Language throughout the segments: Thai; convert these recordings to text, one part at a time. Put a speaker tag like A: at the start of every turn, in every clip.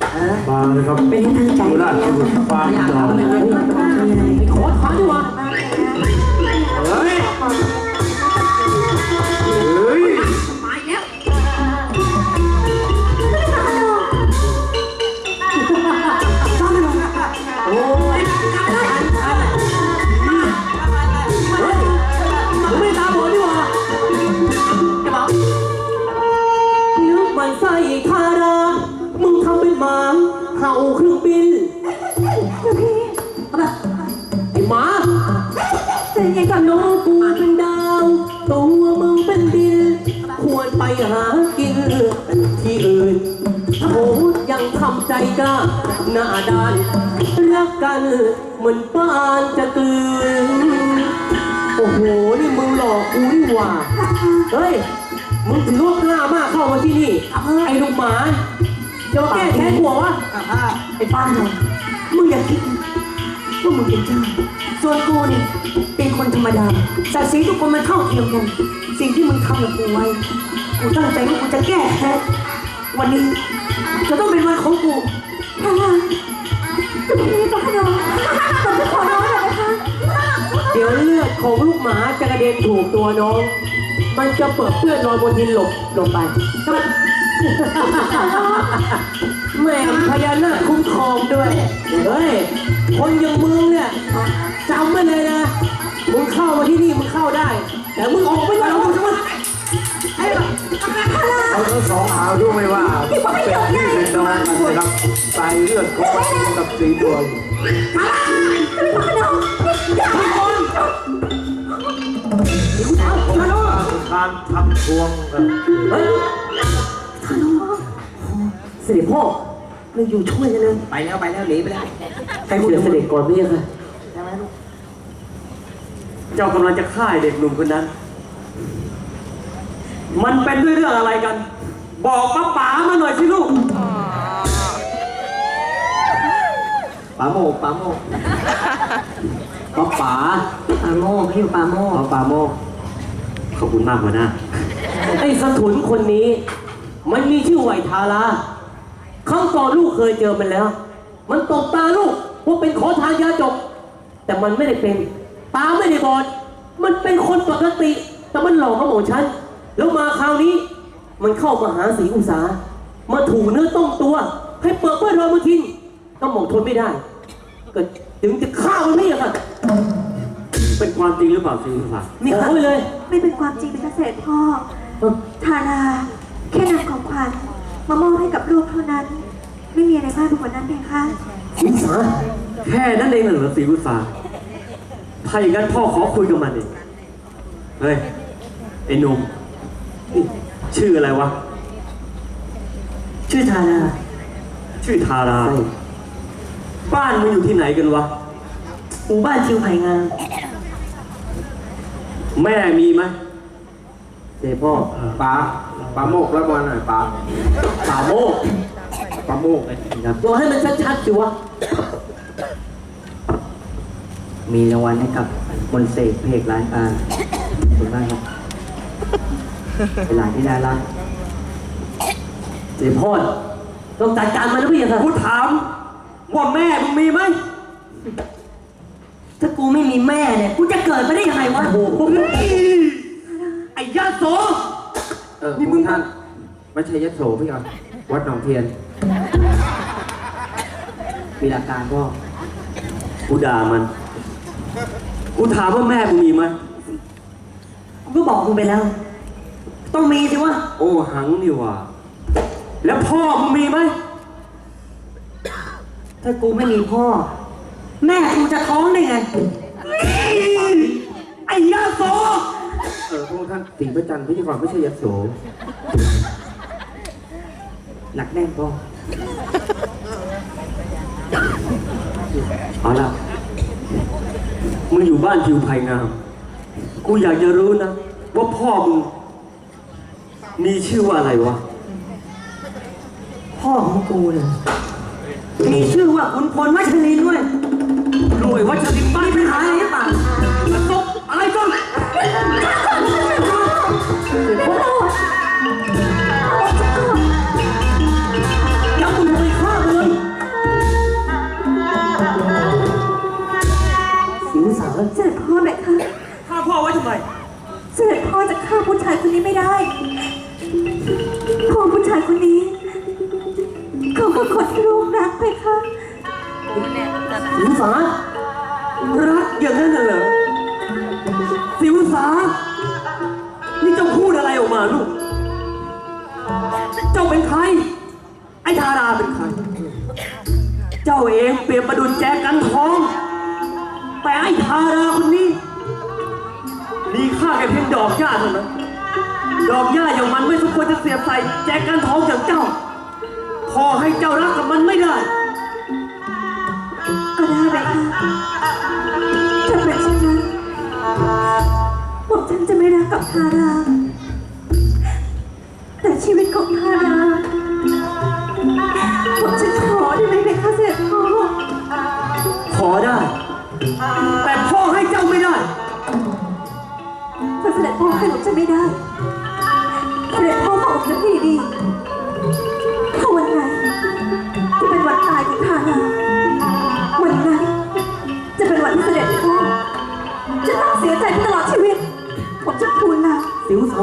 A: มาเลยครับ
B: เป็นที่ตั้งใจ
A: ราชบุตรฟ้าดาว
B: ขอถอนดีกว่าเฮ้ย
A: เฮ้ย
B: มาแล้วโอ้ยเฮ้ยมึงไม่ตาบอดดีกว่าจะบอกนึกมันใส่คารามึงทำเป็นหมาเห่าเครื่องบินไอ้หมาแต่ยังกับน้องกูเป็นดาวตัวมึงเป็นดินควรไปหากินที่อื่นโอ้ยังทำใจกล้าหน้าด้านรักกันเหมือนปานจะกลืนโอ้โหนี่มึงหลอกกูนี่หว่าเฮ้ยมึงถือว่ากล้ามากเข้ามาที่นี่ไอ้ลูกหมาจะมาแก้แค้นหัววะไอ้ป้าหน่อยมึงอย่าคิดว่ามึงเป็นเจ้าส่วนกูเนี่ยเป็นคนธรรมดาศักดิ์ศรีทุกคนมันเท่าเทียมกันสิ่งที่มึงทำกับกูไว้กูตั้งใจว่ากูจะแก้แค้นวันนี้จะต้องเป็นวันของกูจะเป็นนี้ป้าหน่อยผมจะขอร้องหน่อยนะคะเดี๋ยวเลือดของลูกหมาจะกระเด็นถูกตัวน้องมันจะเปิดเปื้อนรอยบนดินหลบลงไปแม่พญานาคคุ้มครองด้วยเฮ้ยคนอย่างมึงเนี่ยจำไว้เลยนะมึงเข้ามาที่นี่มึงเข้าได้แต่มึงออกไม่ได้หรอกใช่ไหมไอ้แบบ
A: เราทั้งสองหารู้ไหมว่าเป็นพี่เป็นน้องกันนะครับสายเลือดของมันกับสีดวงการทำทวงกัน
B: เฮ้ยเสด็จพ่อเราอยู่ช่วยกันเลยไปแล้วหนีไปแล้วใครพูดเสด็จก่อนพี่ค่ะ
A: เจ้ากำลังจะฆ่าเด็กหนุ่มคนนั้น มันเป็นด้วยเรื่องอะไรกัน บอกป้าป๋ามาหน่อยสิลูกป๋าโมกป๋าโมกป้าป๋า
B: ปาโมกให้อยู่ปาโมก
A: ป๋าโมกขอบคุณมากหัวหน้า
B: ไอ้สถุนคนนี้มันมีชื่อไหวทาราครั้งก่อนลูกเคยเจอมันแล้ว มันตบตาลูกว่าเป็นขอทานยาจบแต่มันไม่ได้เป็นตาไม่ได้บอดมันเป็นคนปกติแต่มันหลอกเขาของฉันแล้วมาคราวนี้มันเข้ามาหาศรีอุษามาถูเนื้อต้องตัวให้เปิดเพื่อนเรามาทิ้งก็หม่อมทนไม่ได้ก็ถึงจะฆ่ามันไม่อะค่ะ
A: เป็นความจริงหรือเปล่าสิครับ
B: นี่ขอไปเลย
C: ไม่เป็นความจริงเป็นเกษตรพ่อทาราแค่นำของขวัญมามอบให้กับลูกเท่านั้น ไม่มีอะไรมากไปกว่านั้นเลยค่ะ
B: ศรีอุษา
A: แค่นั้นเองเหรอศรีวุษาถ้าอย่างนั้นพ่อขอคุยกับมันเองเฮ้ยไอ้หนุ่มชื่ออะไรวะ
B: ชื่อทารา
A: ชื่อทาราบ้านมึงอยู่ที่ไหนกันวะ
B: หมู่บ้านชิวไผ่งาม
A: แม่มีไหม
B: เสด็จพ่อ
D: ป๋าโมกแล้วบอลหน่อยป๋า
A: ป่าโมก
D: ป๋าโมกเลย
B: ตัวให้มันชัดๆสิวะ
E: มีรางวัลให้กับมนต์เสกเพกร้านการขอบคุณมากครับเป็นหลานที่น่ารัก
B: เสด็จพ่อต้องจัดการมันนะพี่ค่ะ
A: กูถามว่าแม่มึงมีไหม
B: ถ้ากูไม่มีแม่เนี่ยกูจะเกิดมาได้ยังไงวะโอ้โห
A: ไอ้ยาโส
D: นี่มึงท่านไม่ใช่ยโสพี่ครับวัดหนองเทียน
E: มีหลักการก็
A: กูด่ามัน กูถามว่าแม่มึงมีไหม
B: กูก็บอกมึงไปแล้ว ต้องมีสิวะ
A: โอ้หังนี่ว่ะแล้วพ่อมึงมีไหม
B: ถ้ากูไม่มีพ่อ แม่กูจะท้องได้ไง
A: ไอ้ยาโส
D: พวกท่านสิงห์พระจันทร์พี่ก่อนไม่ใช่ยโส
E: หนักแน่นก็
A: เอาล่ะมึงอยู่บ้านทิวไผ่งาม กูอยากจะรู้นะว่าพ่อมึงมีชื่อว่าอะไรวะ
B: พ่อของกูเนี่ยมีชื่อว่าขุนพลวัชรินทร์ด้วย
A: รวยวัชรินทร์บ้าน
B: มีปัญหาอะไรหรือเปล่า
A: ตบอะไรกัน
B: อย่ามึงไปฆ่ามันเลย
C: คือคนที่ลูกรักเพคะ
B: สิวสา
A: รักอย่างนั้นน่ะเหรอสิวสานี่เจ้าพูดอะไรออกมาลูก เจ้าเป็นใคร ไอ้ทาราเป็นใคร เจ้าเองเปรียบประดุจแจกันทอง แต่ไอ้ทาราคนนี้ มีค่าแค่เพียงดอกหญ้าเท่านั้น ดอกหญ้าอย่างมันไม่สมควรจะเสียบใส่แจกันทองอย่างเจ้า พอให้เจ้ารักกับมันไม่ได้
C: ก็ได้เพคะถ้าเป็นเช่นนั้นผมฉันจะไม่รักกับทาราแต่ชีวิตของทาราผมฉันขอได้ไหมเพคะเสด็จพ่อ
A: ขอได้ แต่พ่อให้เจ้าไม่ได้
C: ถ้าเสด็จพ่อให้ผมจะไม่ได้เสด็จพ่อบอกผมจะให้ดีถ้าวันไหนที่เป็นวันตายของทาราวันนั้นจะเป็นวันที่เสด็จพ่อจะต้องเสียใจไปตลอดชีวิต ผมจะทูลลา
B: สิวสา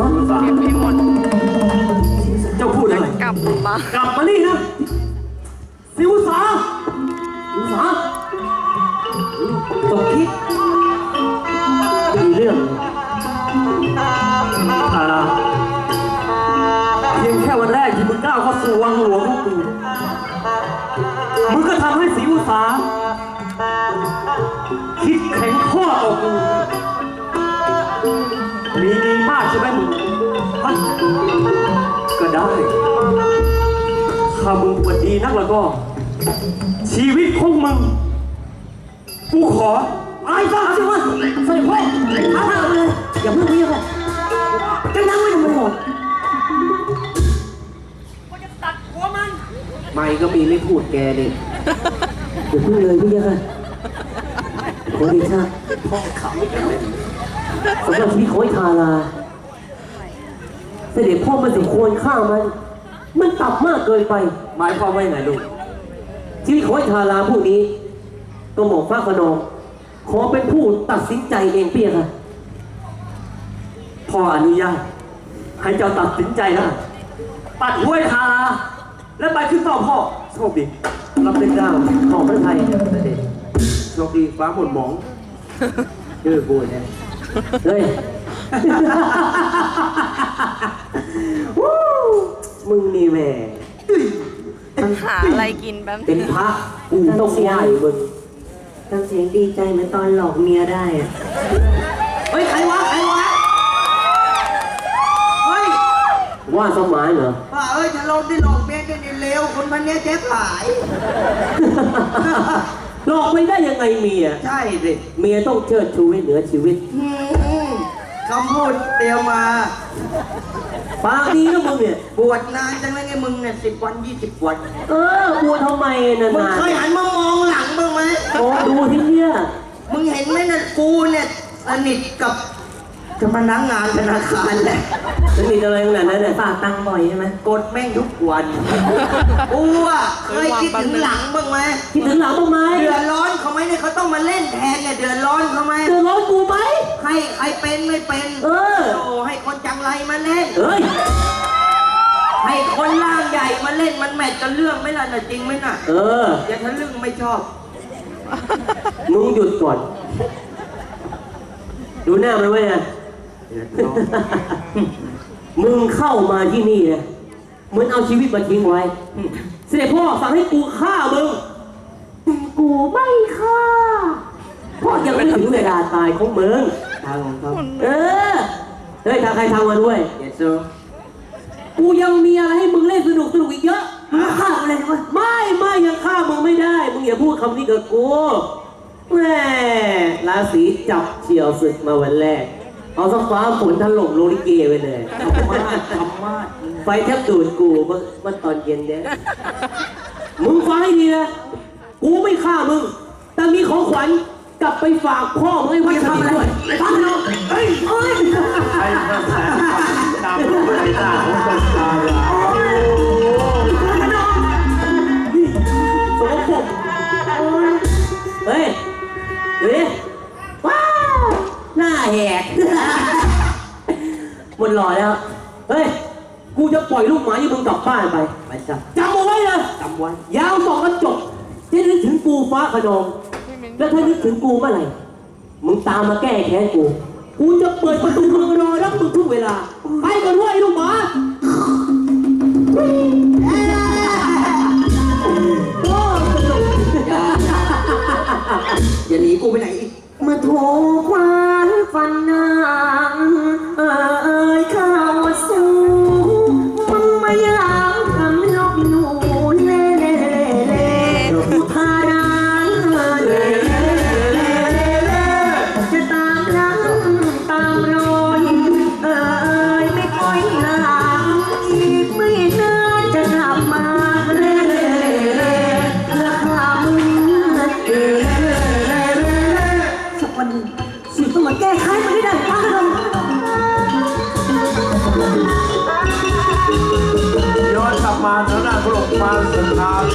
A: เจ้าพูดอะไร
F: กลับมาก
A: ลับมานี่นะสิวสา
B: สิวสาตกคิดมีเรื่องเลย
A: ทาราเพียงแค่วันแรกที่มึงก้าวเข้าสู่วังหลวงของกูมึงก็ทำให้สิวสาคิดแข็งข้อต่อกูมีดีมากใช่ไหมมึงฮะก็ได้ถ้ามึงปวดดีนักแล้วก็ ชีวิตของมึงกูขออายซะสิวะ
B: เสด็จพ่อท้าทายเลยอย่าเพิ่งเรียกเลยจะนั่งไว้ทำไมหมด
D: ไม่ก็มีไม่พูดแกดิ
B: อย่าเพิ่งเลยพี่ยังไงขอเดชะสำหรับชีวิตของไอ้ทาราเสด็จพ่อมันสมควรฆ่ามันต่ำมากเกินไป
A: หมายความว่ายังไงลูก
B: ชีวิตของไอ้ทาราผู้นี้ก็หมอกฟ้าขนองขอเป็นผู้ตัดสินใจเองเปียค่ะ
A: พ่ออนุญาตให้เจ้าตัดสินใจนะตัดห้วยทาราและไปขึ้นต่อพ่อโชคดี
B: รับเป็นเกล้าของพระไทยเสด็จ
D: โชคดีฟ้าหมดหมองชื่อกูเนี่ย
B: เฮ้ย วู้มึงนี่แหม่
F: หาอะไรกินแป๊บ
B: เป็นพระกูต้องไหว้มึง
E: ทำเสียงดีใจเหมือนตอนหลอกเมียได้อะ
B: เฮ้ยใครวะเฮ้ยว่าสมานเหรอ
G: ว่าเอ้ยถ้าเราได้หลอกเมียได้เร็วคนพันนี้เจ๊ขาย
B: หลอกไม่ได้ยังไงเมีย
G: ใช่สิ
B: เมียต้องเชิดชูให้เหนือชีวิต
G: คำพูดเตรียมมา
B: ปากดีนะมึงเนี่ย
G: บวชนานจังเลยไงมึงเนี่ย10 วัน 20 วัน
B: กลัวทำไมน
G: มึง
B: าน
G: เคยหันมามองหลังบ้างไหม
B: ๆโอ้ดูที่เนี่ย
G: มึงเห็นไหมน่ะกูเนี่ยสนิทกับพนักงานธนาคารแหละ
B: จะมีอะไรขนาดนั้นเนี่ย
E: ฝากตังค์บ่อยใช่ไหม
G: กดแม่งทุกวันกูอ่ะเคยคิดถึงหลังบ้างไหม
B: คิดถึงหลังบ้างไหม
G: เดือดร้อนเขาไหมเนี่ยเขาต้องมาเล่นแทนเนี่ยเดือดร้อนเขาไหม
B: เดือดร้อนกูไหม
G: ให้ใครเป็นไม่เป็น
B: เออ
G: โอ้ให้คนจังไรมาเล่น
B: เฮ้ย
G: ให้คนร่างใหญ่มาเล่นมันแมทกันเรื่องไหมล่ะน่ะจริงไหมน่ะ
B: เออ
G: อย่าทะลึ่งไม่ชอบ
B: มึงหยุดก่อน ดูหน้ามันไว้นะ มึงเข้ามาที่นี่นะเหมือนเอาชีวิตมาทิ้งไว้ เสด็จพ่อสั่งให้กูฆ่ามึงแต่กูไม่ฆ่าเพราะยังไม่ถึงเวลาตายของมึง
E: ทางของเขา
B: เออ เฮ้ยทางใครทางมาด้วย
D: เยสซู
B: กูยังมีอะไรให้มึงเล่นสนุกอีกเยอะมึงฆ่ากูเลยใช่ไหมไม่ยังฆ่ามึงไม่ได้ มึงอย่าพูดคำนี้กับกูแม่ราศีจับเฉียวศึกมาวันแรก เอาสักฟ้าฝนถล่มโลลิเกไปเลย
G: ทำมาด
B: ไฟแทบดูดกูเมื่อตอนเย็นเนี่ยมึงฟังให้ดีนะ กูไม่ฆ่ามึง แต่มีของขวัญกลับไปฝากพ่อมึงให้วัดสนิทด้วยไปฟังเนาะเฮ้ย
A: ใช้กระแสตามรูปใบหน้าของคนตาย
B: สมบูรณ์เฮ้ยเฮ้ยว้าวหน้าแหกหมดหล่อแล้ว เฮ้ย กูจะปล่อยลูกหมาที่มึงกลับบ้านไป
E: ไปจ้ะ
B: จำเอาไว้เลย
E: จำไว้
B: ยาวบอกก็จบจะนึกถึงกูฟ้าขนองแล้วถ้านึกถึงกูเมื่อไหร่มึงตามมาแก้แค้นกูจะเปิดประตูเมืองรอรับมึงทุกเวลาไปก่อนเว้ยลูกหมา
G: อย่าหนีกูไปไหนอีก
C: เมื่อถูกคว้าฟันนางเข้าสู่มึงมาอยากทำลบหนูเล่เล่เล่อุทาราเล่เล่จะตามล้างตามรอยไม่ค่อยหลังอีกไม่นานจะกลับมาเล่เล่เล่ราคามึงเล่สักวันหนึ่งสิต้องมาแก้ไขมันให้ได้ป้าเรา
D: ย้อนกลับมาทางด้านพระองค์มาสถาน